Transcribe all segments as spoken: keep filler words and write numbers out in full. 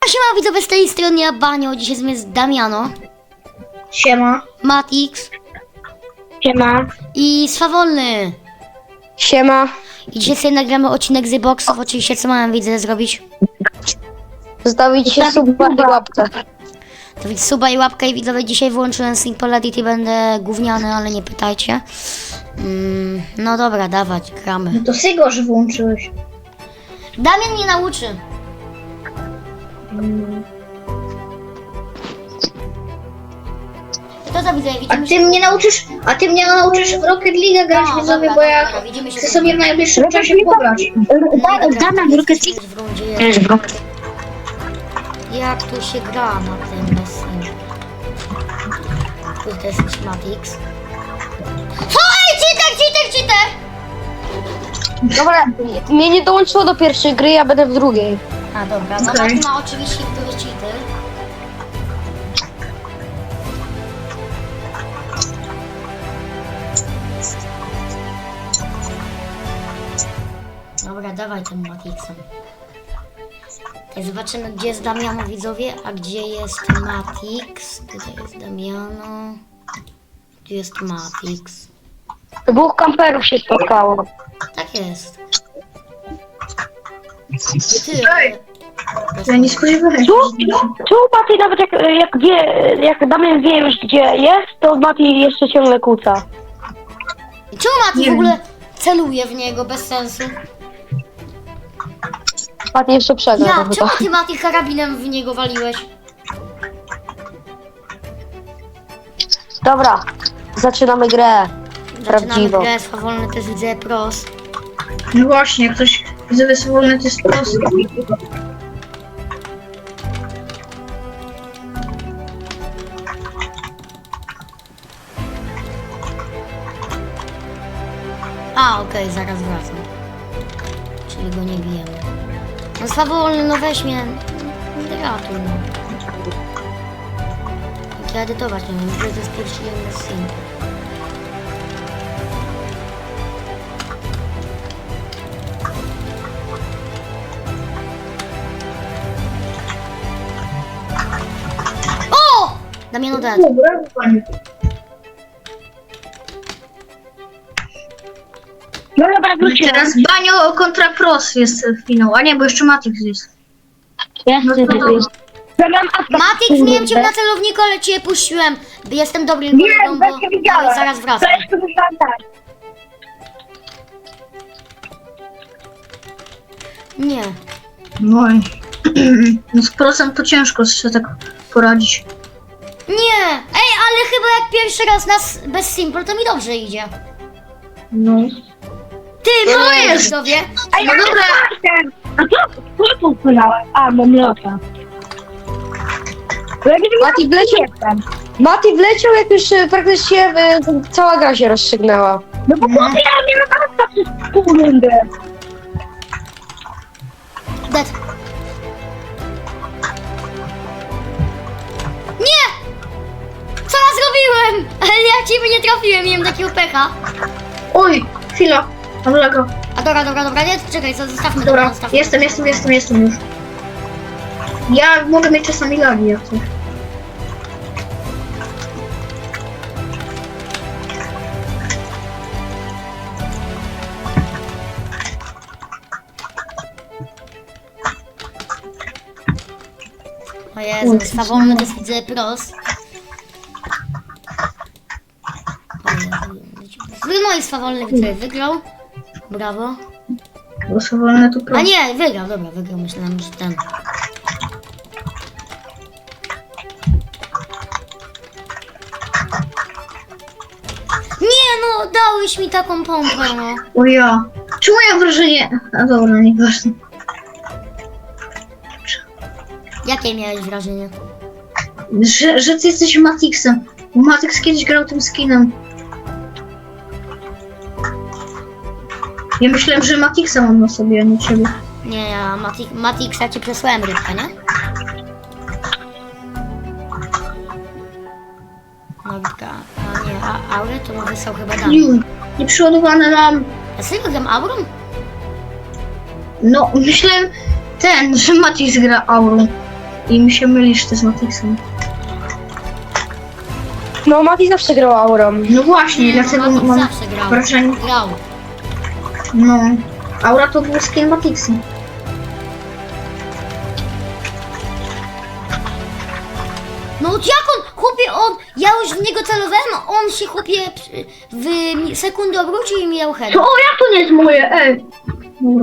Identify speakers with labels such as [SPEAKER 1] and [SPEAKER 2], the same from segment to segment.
[SPEAKER 1] siema widzowie, z tej strony ja Banio, dzisiaj z nami jest Damiano,
[SPEAKER 2] Siema.
[SPEAKER 1] Matix
[SPEAKER 2] Siema.
[SPEAKER 1] i Swawolny.
[SPEAKER 2] Siema.
[SPEAKER 1] I dzisiaj sobie nagramy odcinek z boxów, oczywiście co mam widzę zrobić?
[SPEAKER 2] Zostawić się suba i łapkę.
[SPEAKER 1] To widz suba i łapkę i widzowie, dzisiaj wyłączyłem Simple Edit i będę gówniany, ale nie pytajcie. Mm, no dobra, dawać, gramy.
[SPEAKER 2] No to Sygo, że włączyłeś.
[SPEAKER 1] Damian mnie nauczy. To co widzę,
[SPEAKER 2] A
[SPEAKER 1] widzimy
[SPEAKER 2] ty mnie nauczysz, a ty mnie nauczysz w Rocket League grać,
[SPEAKER 1] No,
[SPEAKER 2] widzowie,
[SPEAKER 1] dobra,
[SPEAKER 2] bo ja
[SPEAKER 1] dobra, widzimy się
[SPEAKER 2] chcę
[SPEAKER 1] później.
[SPEAKER 2] sobie w najbliższym czasie pograć.
[SPEAKER 1] Damian, Rocket League w rundzie jest. Jak tu się gra na tym bez to jest Matix. Oj, cheater, cheater, cheater!
[SPEAKER 3] Dobra, mnie nie dołączyło do pierwszej gry, ja będę w drugiej.
[SPEAKER 1] A dobra, no
[SPEAKER 2] Okej.
[SPEAKER 1] Mati ma oczywiście który cheater. Dobra, dawaj tym Matixem. Tutaj zobaczymy, gdzie jest Damiano, widzowie, a gdzie jest Matix. Tutaj jest Damiano. Tu jest Matix.
[SPEAKER 3] Dwóch kamperów się spotkało.
[SPEAKER 1] Tak jest. Ty,
[SPEAKER 2] Ja nie spodziewałem się.
[SPEAKER 4] Tu, tu Mati nawet jak, jak wie, jak Damian wie już gdzie jest, to Mati jeszcze ciągle kłóca.
[SPEAKER 1] czemu Mati
[SPEAKER 2] Nie
[SPEAKER 1] w ogóle celuje w niego bez sensu?
[SPEAKER 3] Mati jeszcze przegra.
[SPEAKER 1] Ja,
[SPEAKER 3] to
[SPEAKER 1] czemu
[SPEAKER 3] chyba.
[SPEAKER 1] ty Mati karabinem w niego waliłeś?
[SPEAKER 3] Dobra, zaczynamy grę.
[SPEAKER 1] Zaczynamy
[SPEAKER 3] Prawdziwą.
[SPEAKER 1] grę, swawolny też widzę pros.
[SPEAKER 2] No właśnie, jak ktoś widzowie swobodny, to jest prosty.
[SPEAKER 1] A, okej, zaraz wracam. Czyli go nie bijemy. No swawolny, no weź mnie. Ratuj, no. Jak ja edytować nie wiem, to jest pierwszy jeden bez synku. O! Damiano dead.
[SPEAKER 2] Brawo, panie.
[SPEAKER 4] No dobra, wróciłem.
[SPEAKER 2] Teraz Banio kontra Pros jest finał, a nie, bo jeszcze Matix jest.
[SPEAKER 4] Ja
[SPEAKER 2] No to dobra.
[SPEAKER 4] Zamiast
[SPEAKER 1] Matix, miałem cię na celowniku, ale cię puściłem. Jestem dobrym
[SPEAKER 4] Nie,
[SPEAKER 1] kolegą,
[SPEAKER 4] bo
[SPEAKER 1] bo
[SPEAKER 4] cię widziałem.
[SPEAKER 1] Dawaj, zaraz wracam.
[SPEAKER 4] To jest to myślałem tak.
[SPEAKER 1] Nie.
[SPEAKER 2] No i... No z Prosem to ciężko się tak poradzić.
[SPEAKER 1] Nie! Ej, ale chyba jak pierwszy raz nas bez Simple, to mi dobrze idzie.
[SPEAKER 2] No.
[SPEAKER 1] Ty,
[SPEAKER 2] No
[SPEAKER 1] no
[SPEAKER 2] jest.
[SPEAKER 1] jest sobie.
[SPEAKER 4] Ej,
[SPEAKER 2] No dobra.
[SPEAKER 4] A co? Co tu płynąłem? A, mam lota. Bo ja nie wiem,
[SPEAKER 3] Mati wleciał,
[SPEAKER 4] jestem.
[SPEAKER 3] Mati wleciał, jak już e, praktycznie e, cała gra się rozstrzygnęła.
[SPEAKER 4] No bo chłopie, ja miałem lata przez pół rundy.
[SPEAKER 1] Dead. Nie! Co ja zrobiłem? Ale ja ciebie nie trafiłem, miałem takiego pecha.
[SPEAKER 2] Oj, chwila. Mam laga.
[SPEAKER 1] A dobra, dobra, dobra, nie, czekaj, co, zostawmy,
[SPEAKER 2] Dobra,
[SPEAKER 1] zostawmy.
[SPEAKER 2] jestem, jestem, jestem, jestem już. Ja mogę mieć czasami lagi, jak coś.
[SPEAKER 1] O Jezu, swawolny też widzę pros. O Jezu. No i swawolny widzę, wygrał. Brawo.
[SPEAKER 2] Głosowane tu
[SPEAKER 1] A
[SPEAKER 2] pro.
[SPEAKER 1] nie, wygrał, dobra, wygrał, myślałem, że ten. Nie no, dałeś mi taką pompę, no.
[SPEAKER 2] O ja. Czemu ja mam wrażenie... A dobra, nieważne.
[SPEAKER 1] Jakie miałeś wrażenie?
[SPEAKER 2] Że, że ty jesteś Matixem. Bo Matix kiedyś grał tym skinem. Ja myślałem, że Matixa mam na sobie, a nie ciebie.
[SPEAKER 1] Nie, ja Mati Matixa ci przesłałem rybkę, nie? No rybka, a nie, a Aurę to mu wysłał chyba Dan.
[SPEAKER 2] Juj, nieprzeładowane nam.
[SPEAKER 1] A serio gram Aurą?
[SPEAKER 2] No, myślałem ten, że Matix gra Aurą. I mi się mylisz ty z Matixem.
[SPEAKER 3] No, Mati zawsze grał aurą.
[SPEAKER 2] No właśnie, dlatego
[SPEAKER 1] Matic
[SPEAKER 2] mam
[SPEAKER 1] zawsze grał.
[SPEAKER 2] wrażenie...
[SPEAKER 1] Grał.
[SPEAKER 2] No... Aura to był skin Matixa.
[SPEAKER 1] No jak on, chłopie, on, ja już w niego celowałem, a on się, chłopie, przy- w mi- sekundę obrócił i mi dał head.
[SPEAKER 2] To o, jak to nie jest moje? Ej! Dobra.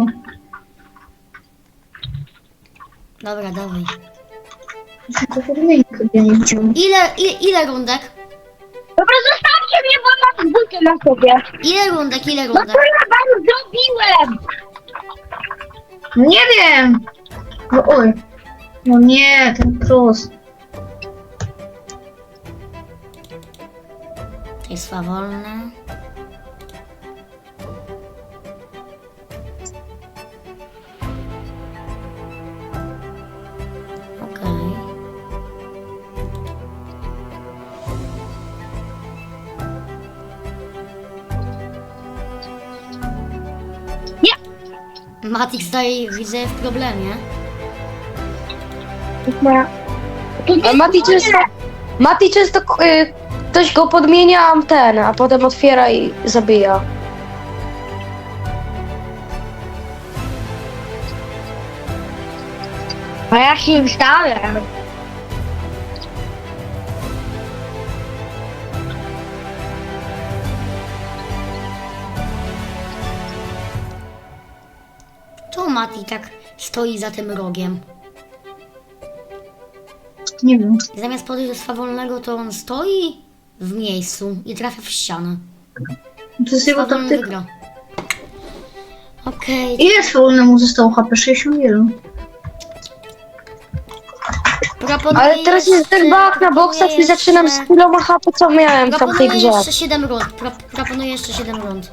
[SPEAKER 1] Dobra, dawaj.
[SPEAKER 2] To podmiennik ja nie widziałem.
[SPEAKER 1] Ile, ile, ile rundek?
[SPEAKER 4] Dobra, zostawcie mnie, bo mam buty na sobie.
[SPEAKER 1] Ile rundek, ile
[SPEAKER 4] No
[SPEAKER 1] rundek?
[SPEAKER 4] co ja wam zrobiłem?
[SPEAKER 2] Nie wiem! No oj. No nie, ten cross.
[SPEAKER 1] To jest swawolne. Okej.
[SPEAKER 4] Nie.
[SPEAKER 1] Matix daje, widzę, w problemie.
[SPEAKER 4] To jest moja... To nie
[SPEAKER 3] A
[SPEAKER 4] jest
[SPEAKER 3] Mati
[SPEAKER 4] moje.
[SPEAKER 3] często... Mati często... Y, ktoś go podmienia antenę, a potem otwiera i zabija.
[SPEAKER 4] A ja się wstałem.
[SPEAKER 1] Czemu Mati tak stoi za tym rogiem?
[SPEAKER 2] Nie wiem.
[SPEAKER 1] Zamiast podejść do swawolnego, to on stoi w miejscu i trafia w ścianę.
[SPEAKER 2] To jest jego
[SPEAKER 1] Swawolny
[SPEAKER 2] taktyka.
[SPEAKER 1] wygra. Okej,
[SPEAKER 2] Ile swolnemu zostało H P? sześćdziesiąt jeden.
[SPEAKER 1] proponuję
[SPEAKER 3] Ale teraz jest ten
[SPEAKER 1] jeszcze-
[SPEAKER 3] bug na boksach i zaczynam z
[SPEAKER 1] jeszcze-
[SPEAKER 3] tyloma H P, co miałem tam w tej
[SPEAKER 1] Proponuję
[SPEAKER 3] grze.
[SPEAKER 1] jeszcze siedem rund. Pro, proponuję jeszcze siedem rund.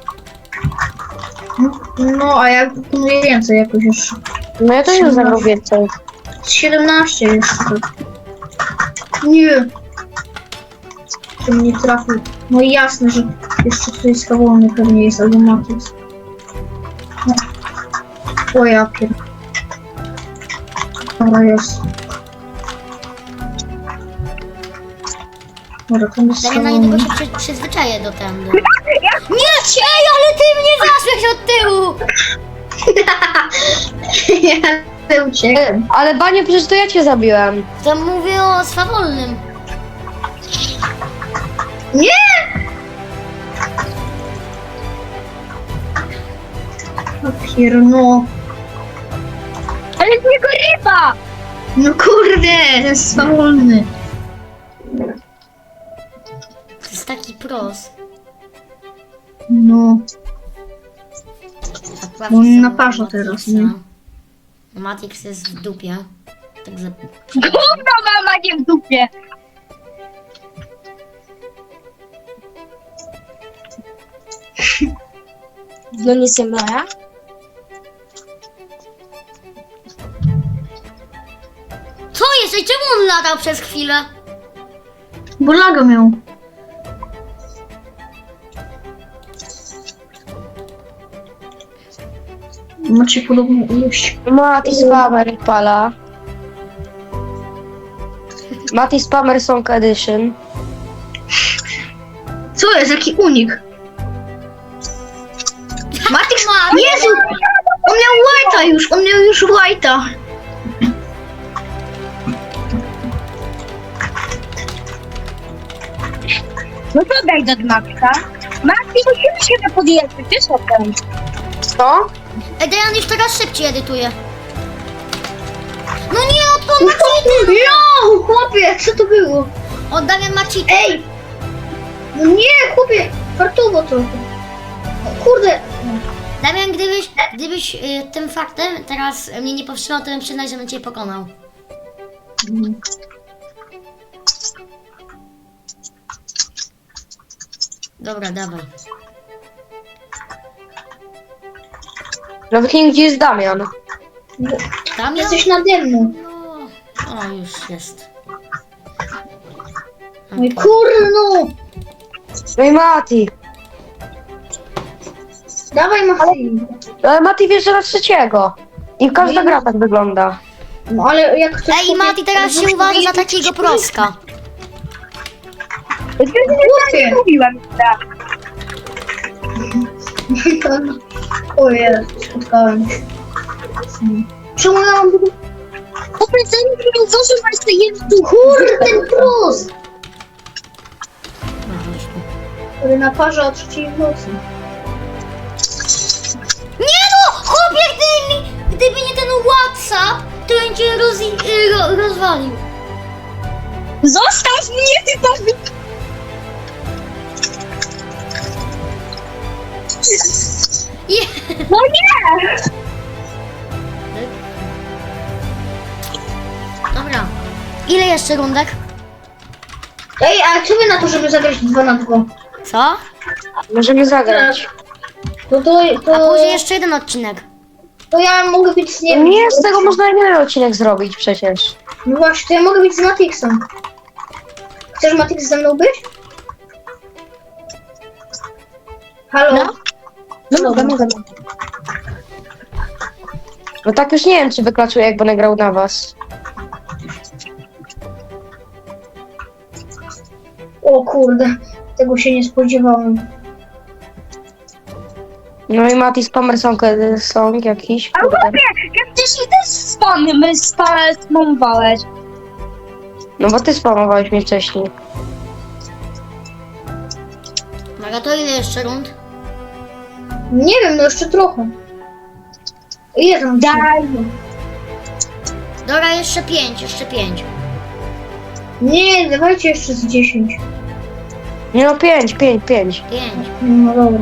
[SPEAKER 2] No, a ja proponuję więcej jakoś jeszcze.
[SPEAKER 3] No ja też już zagrał więcej.
[SPEAKER 2] Z siedemnaście jeszcze. tak. Nie. To mnie trafił. No i jasne, że jeszcze tutaj swobodny pewnie jest albo Matix. No. O ja pier... Dobra, jest. Dobra, to jest
[SPEAKER 1] Damian, na niedługo
[SPEAKER 2] swobodny.
[SPEAKER 1] się przy, przyzwyczaję do tędy. Nie, ej, ale ty mnie zaszłeś od tyłu!
[SPEAKER 2] Ja uciekłem.
[SPEAKER 3] Ale Banie, przecież to ja cię zabiłem.
[SPEAKER 1] To mówię o swawolnym.
[SPEAKER 2] Nie! O pierno.
[SPEAKER 4] Ale z niego ryba!
[SPEAKER 2] No kurde, to jest swobodny.
[SPEAKER 1] To jest taki pros.
[SPEAKER 2] No.
[SPEAKER 1] Akurat
[SPEAKER 2] On
[SPEAKER 1] są
[SPEAKER 2] na parze
[SPEAKER 1] Matixa.
[SPEAKER 2] teraz, nie?
[SPEAKER 1] Matix jest w dupie. Także
[SPEAKER 4] Gówno mama nie w dupie!
[SPEAKER 3] No nie jestem moja.
[SPEAKER 1] co jest? Ej, czemu on latał przez chwilę?
[SPEAKER 2] Bo laga miał. Macie podobną ilość.
[SPEAKER 3] Mati Spammer pala. Mati Spammer Song Edition.
[SPEAKER 2] Co jest? Jaki unik? Matix,
[SPEAKER 1] Mati,
[SPEAKER 2] Jezu! On miał White'a już, on miał już White'a.
[SPEAKER 4] No to daj do Maxa. Maxi, musimy się podjechać, wiesz o tym.
[SPEAKER 3] Co?
[SPEAKER 1] Ej, Dajan już teraz szybciej edytuje. No nie, odkąd ma cheaty?
[SPEAKER 2] No, chłopie, co to było?
[SPEAKER 1] O, Damian ma cheaty.
[SPEAKER 2] Ej! No nie, chłopie, fartowo trochę. O, kurde.
[SPEAKER 1] Damian, gdybyś, gdybyś y, tym faktem teraz mnie nie powstrzymał, to bym przyznał, że bym cię pokonał. Dobra, dawaj.
[SPEAKER 3] Nawet nie wiem, gdzie jest Damian.
[SPEAKER 1] Damian?
[SPEAKER 2] Jesteś nade mną.
[SPEAKER 1] No, o, już jest.
[SPEAKER 2] No i kurde, no.
[SPEAKER 3] No i Mati.
[SPEAKER 2] Dawaj, Mati.
[SPEAKER 3] Ale Mati wjeżdża na trzeciego. I każda gra tak wygląda.
[SPEAKER 2] No ale jak ktoś
[SPEAKER 1] Ej, i Mati teraz się uważa za takiego proska.
[SPEAKER 2] Głupie.
[SPEAKER 4] Mówiłem, tak.
[SPEAKER 2] O Jezu, spotkałem. Czemu ja mam...
[SPEAKER 4] Powiedzenie, że nie zużywa jeszcze jedną.
[SPEAKER 2] Kurde, ten plus! Który naparza o trzeciej w nocy.
[SPEAKER 1] Nie no! Chłopie, gdyby, mi- gdyby nie ten WhatsApp, to bym cię roz, ro, rozwalił.
[SPEAKER 4] Zostaw mnie, ty to...
[SPEAKER 1] Je...
[SPEAKER 4] No nie!
[SPEAKER 1] Dobra. Ile jeszcze rundek?
[SPEAKER 2] Ej, a co wy na to, żeby zagrać dwa na dwa?
[SPEAKER 1] Co?
[SPEAKER 3] Możemy zagrać.
[SPEAKER 2] To to...
[SPEAKER 1] A
[SPEAKER 2] to,
[SPEAKER 1] później jeszcze jeden odcinek.
[SPEAKER 2] to ja mogę być z nie
[SPEAKER 3] Nie, z tego można jeden odcinek zrobić przecież.
[SPEAKER 2] No właśnie, to ja mogę być z Matixem. Chcesz Matix ze mną być? Halo?
[SPEAKER 3] No.
[SPEAKER 2] No mogę, mogę.
[SPEAKER 3] No tak już nie wiem, czy wyklaczuje, jak będę grał na was.
[SPEAKER 2] O kurde, tego się nie spodziewałem.
[SPEAKER 3] No i Mati Spammer Song, song jakiś.
[SPEAKER 4] A
[SPEAKER 3] kurde.
[SPEAKER 4] chłopie, jak wcześniej też spamy, my spamowałeś.
[SPEAKER 3] No bo ty spamowałeś mnie wcześniej.
[SPEAKER 1] Dobra, to ile jeszcze rund?
[SPEAKER 2] Nie wiem, no jeszcze trochę. Ile tam?
[SPEAKER 4] Daj.
[SPEAKER 1] Dobra, jeszcze pięć, jeszcze pięć.
[SPEAKER 2] Nie, dawajcie jeszcze z dziesięć.
[SPEAKER 3] Nie no, pięć, pięć, pięć.
[SPEAKER 1] Pięć.
[SPEAKER 2] No dobra.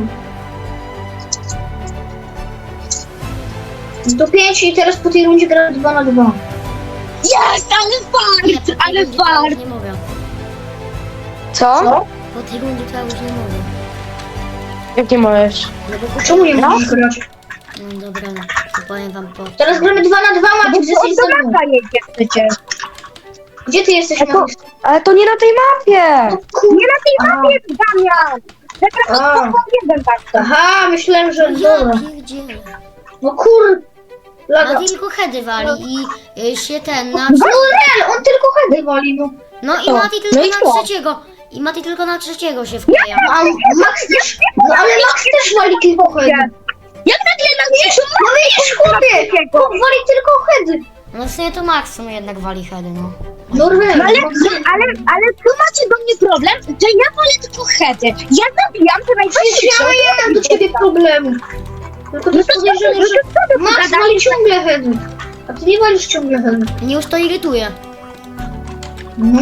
[SPEAKER 2] No to pięć i teraz po tej rundzie gram dwa na dwa.
[SPEAKER 4] Jest, ale
[SPEAKER 1] Nie,
[SPEAKER 4] fart,
[SPEAKER 1] po tej
[SPEAKER 4] ale
[SPEAKER 1] rundzie to ja już
[SPEAKER 4] fart.
[SPEAKER 1] nie mogę.
[SPEAKER 3] Co?
[SPEAKER 2] Co?
[SPEAKER 1] Po tej rundzie to ja już nie mogę.
[SPEAKER 3] Jak nie możesz?
[SPEAKER 1] No bo po
[SPEAKER 2] Czemu nie
[SPEAKER 3] No.
[SPEAKER 2] możesz grać?
[SPEAKER 1] No dobra, no, to powiem wam po...
[SPEAKER 2] Teraz gramy dwa na dwa,
[SPEAKER 4] Bo
[SPEAKER 2] Maciek, jesteś ze mną.
[SPEAKER 4] to jedzie przecież.
[SPEAKER 2] Gdzie ty jesteś,
[SPEAKER 3] A to-
[SPEAKER 2] Maciek?
[SPEAKER 3] Ale to nie na tej mapie!
[SPEAKER 2] No kurde.
[SPEAKER 4] Nie na tej mapie, Damian. Teraz
[SPEAKER 2] A.
[SPEAKER 4] to jeden tak.
[SPEAKER 2] Aha, myślałem, że...
[SPEAKER 1] No
[SPEAKER 2] Dobra.
[SPEAKER 1] ja pierdzielę.
[SPEAKER 2] No kur... Laga.
[SPEAKER 1] Mati tylko heady wali i y, się ten na...
[SPEAKER 2] No real, on tylko heady wali, no.
[SPEAKER 1] No i
[SPEAKER 3] to?
[SPEAKER 1] Mati tylko
[SPEAKER 3] No i
[SPEAKER 1] na
[SPEAKER 3] co?
[SPEAKER 1] trzeciego. I Mati tylko na trzeciego się wkleja.
[SPEAKER 2] A Max też... No ale Max też wali tylko heady.
[SPEAKER 4] Jak nagle na mnie
[SPEAKER 2] No widzisz, chłopie! Chłop wali tylko heady.
[SPEAKER 1] No w sumie to Maxum jednak wali heady, no.
[SPEAKER 2] No real.
[SPEAKER 4] ale, ale, ale tu macie do mnie problem, że ja wolę tylko hedy. Ja zabijam te
[SPEAKER 2] Przecież
[SPEAKER 4] najsilniejsze.
[SPEAKER 2] ja nie mam do ciebie problemu. Tylko to jest podejrzane, że Max wali ciągle heady. A ty nie walisz ciągle heady.
[SPEAKER 1] Mnie już to irytuje.
[SPEAKER 2] No.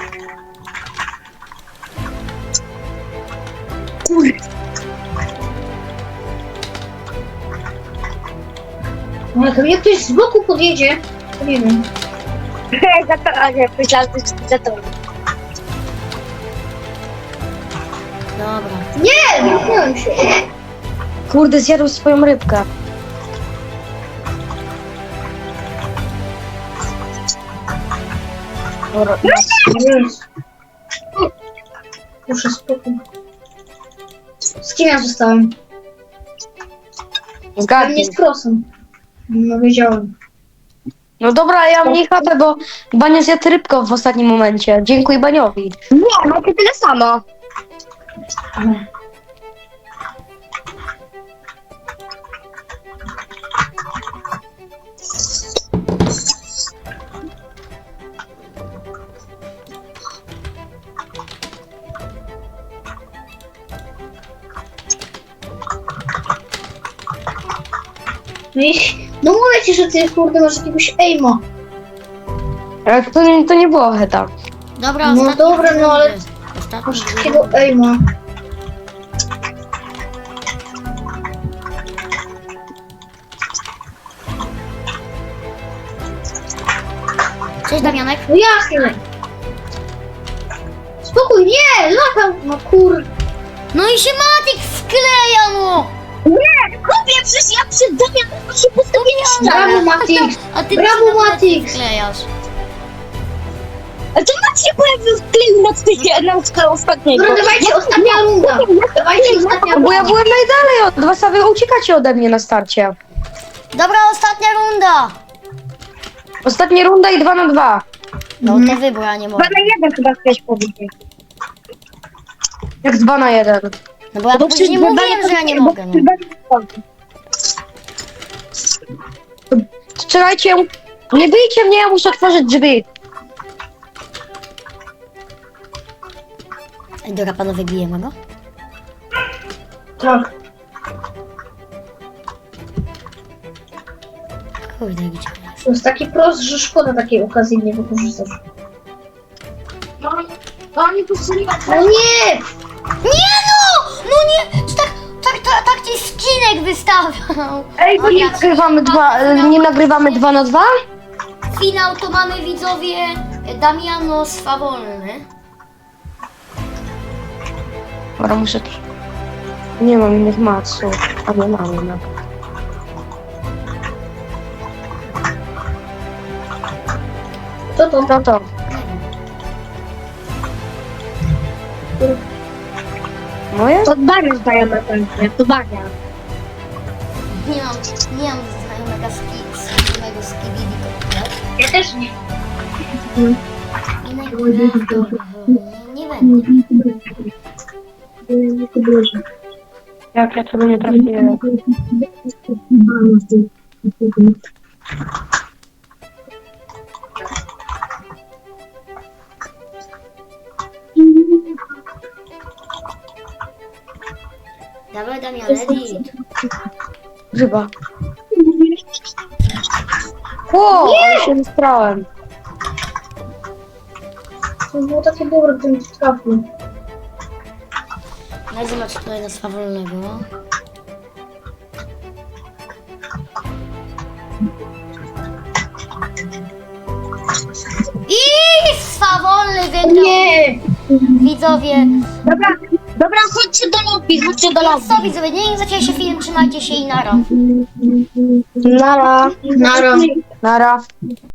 [SPEAKER 2] No jak mnie ktoś z boku podjedzie, to nie wiem.
[SPEAKER 4] Za to, a nie, myślałam, że za to.
[SPEAKER 1] Dobra.
[SPEAKER 2] Nie, zamknąłem się.
[SPEAKER 3] Kurde, zjadł swoją rybkę. Dobra,
[SPEAKER 2] Jezu. Muszę spokój. Z kim ja zostałem?
[SPEAKER 3] zgadnij.
[SPEAKER 2] Pewnie z Krosem. No wiedziałem.
[SPEAKER 3] No dobra, ja mam mniej chatę, bo Bania zjadł rybkę w ostatnim momencie. Dziękuję Baniowi.
[SPEAKER 4] Nie, macie tyle samo.
[SPEAKER 2] No i... No mówię ci, że ty kurde masz jakiegoś aima.
[SPEAKER 3] Ale to, nie- to nie było heta.
[SPEAKER 1] Dobra,
[SPEAKER 2] No
[SPEAKER 1] ostatnie
[SPEAKER 2] dobra,
[SPEAKER 1] dwie
[SPEAKER 2] no ale-
[SPEAKER 1] rundy. Ostatnie
[SPEAKER 2] Masz
[SPEAKER 1] dwie
[SPEAKER 2] takiego
[SPEAKER 1] rundy.
[SPEAKER 2] aima.
[SPEAKER 1] Cześć Damianek.
[SPEAKER 2] No jasne. Spokój, nie, lata. No kur...
[SPEAKER 1] No i się Matik wkleja mu!
[SPEAKER 4] Nie, chłopie, przecież ja przed Damianem się postawię
[SPEAKER 2] Brawo, Matix.
[SPEAKER 1] A ty
[SPEAKER 2] Brawo,
[SPEAKER 1] się na plecy
[SPEAKER 2] Matix.
[SPEAKER 1] wklejasz.
[SPEAKER 4] A to Maciej się pojawił w kleju na stykę, na skałę ostatniego.
[SPEAKER 2] Dobra, dawajcie, ostatnia runda. Dawajcie, ostatnia
[SPEAKER 3] No bo ja
[SPEAKER 2] runda.
[SPEAKER 3] byłem najdalej od was, a wy uciekacie ode mnie na starcie.
[SPEAKER 1] Dobra, ostatnia runda!
[SPEAKER 3] Ostatnia runda i dwa na dwa.
[SPEAKER 1] No
[SPEAKER 2] Mhm.
[SPEAKER 1] to wybór, a nie
[SPEAKER 3] Dwa
[SPEAKER 1] mogę.
[SPEAKER 3] na jeden chyba chciałeś powiedzieć. Jak dwa na jeden.
[SPEAKER 1] No bo ja później mówiłem, że ja nie mogę. No.
[SPEAKER 3] Strzelajcie, nie bijcie mnie, ja muszę otworzyć drzwi.
[SPEAKER 1] Ej, dobra, panowie, bijemy go.
[SPEAKER 2] Tak.
[SPEAKER 1] Kurde, gdzie on jest?
[SPEAKER 2] To jest taki prost, że szkoda takiej okazji nie wykorzystać.
[SPEAKER 3] No, oni pusuli.
[SPEAKER 2] No nie!
[SPEAKER 1] Nie no! No nie! Czy tak, tak, tak, tak ci skinek wystawiał.
[SPEAKER 3] Ej, bo nie nagrywamy dwa, nie nagrywamy dwa na dwa?
[SPEAKER 1] Finał to mamy, widzowie, Damiano swawolny.
[SPEAKER 3] Dobra, muszę... Nie mam innych maców, a nie mam innych.
[SPEAKER 2] Co to?
[SPEAKER 3] No to, moje?
[SPEAKER 2] To Dariusz daje na pewno, to Daria.
[SPEAKER 1] Nie mam, nie mam znajomego ski, znajomego skibidi,
[SPEAKER 2] Ja też nie.
[SPEAKER 1] i najprawdopodobniej nie będę.
[SPEAKER 4] Jak ja sobie nie trafiłem.
[SPEAKER 1] Dawaj, Damian, edit.
[SPEAKER 3] Chyba. Ło, ale się wystrałem.
[SPEAKER 2] To było takie dobre, gdybym nie trafił.
[SPEAKER 1] Daj zobaczyć tutaj na swawolnego. I swawolny wygrał.
[SPEAKER 2] Nie!
[SPEAKER 1] Widzowie,
[SPEAKER 2] Dobra, dobra, chodźcie do lobby, chodźcie do lobby.
[SPEAKER 1] co widzowie, nie zaczęła się film, trzymajcie się i nara.
[SPEAKER 3] Nara.
[SPEAKER 2] Nara.
[SPEAKER 3] Nara.